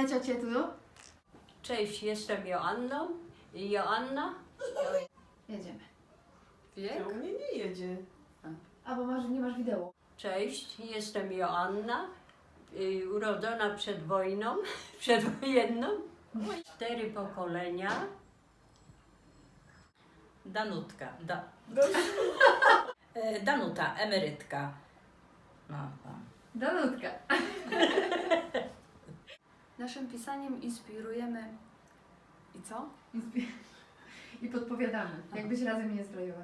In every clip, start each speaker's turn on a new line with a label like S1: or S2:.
S1: Na ciocię tu.
S2: Cześć, jestem Joanną. Joanna.
S1: Jedziemy.
S3: Wiek?
S4: U mnie nie jedzie.
S1: A bo nie masz wideo.
S2: Cześć, jestem Joanna. Urodzona przed wojną, przedwojenną. 4 pokolenia.
S3: Danutka. Danuta, emerytka. No.
S1: Danutka.
S5: Naszym pisaniem inspirujemy... I co?
S1: I podpowiadamy, jakbyś razem nie zbrojować.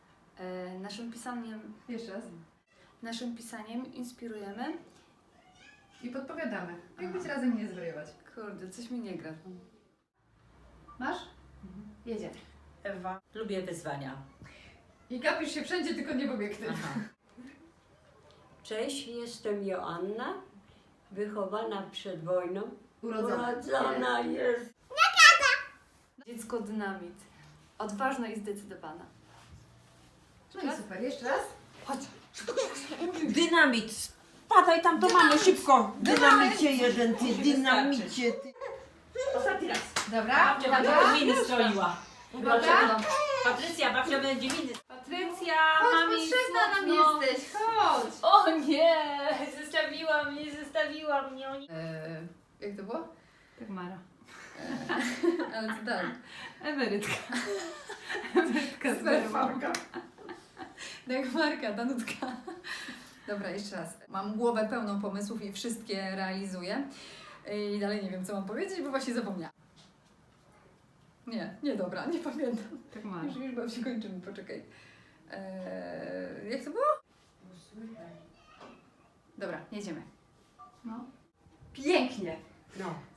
S1: Jeszcze raz.
S5: Naszym pisaniem inspirujemy...
S1: I podpowiadamy, jakbyś razem nie zbrojować.
S5: Kurde, coś mi nie gra.
S1: Masz? Jedzie.
S3: Ewa. Lubię wyzwania.
S1: I gapisz się wszędzie, tylko nie w obiektyw.
S3: Aha.
S2: Cześć, jestem Joanna. Wychowana przed wojną.
S1: Urodzona.
S2: jest.
S5: Dziecko dynamit. Odważna i zdecydowana.
S1: No i super, jeszcze raz.
S4: Dynamit! Spadaj tam do mamy szybko! Dynamicie jeden, ty, dynamicie, ty.
S3: Ostatni raz.
S1: Dobra,
S3: Babcia będzie
S1: uwaga.
S3: miny stroiła.
S1: Uwaga.
S3: Patrycja, babcia będzie miny.
S5: Patrycja,
S1: Chodź,
S5: mami,
S1: potrzebna nam
S5: smutno.
S1: jesteś, chodź.
S5: O nie! Zostawiła mnie.
S1: Jak to było?
S5: Tak Mara.
S1: Ale co dalej?
S5: Emerytka.
S1: Smerfarka. Dagmarka, Danutka. Dobra, jeszcze raz. Mam głowę pełną pomysłów i wszystkie realizuję. I dalej nie wiem, co mam powiedzieć, bo właśnie zapomniałam. Nie, dobra, nie pamiętam.
S5: Tak Mara.
S1: Już chyba się kończymy, poczekaj. Jak to było? Dobra, jedziemy. No. Pięknie.
S4: No.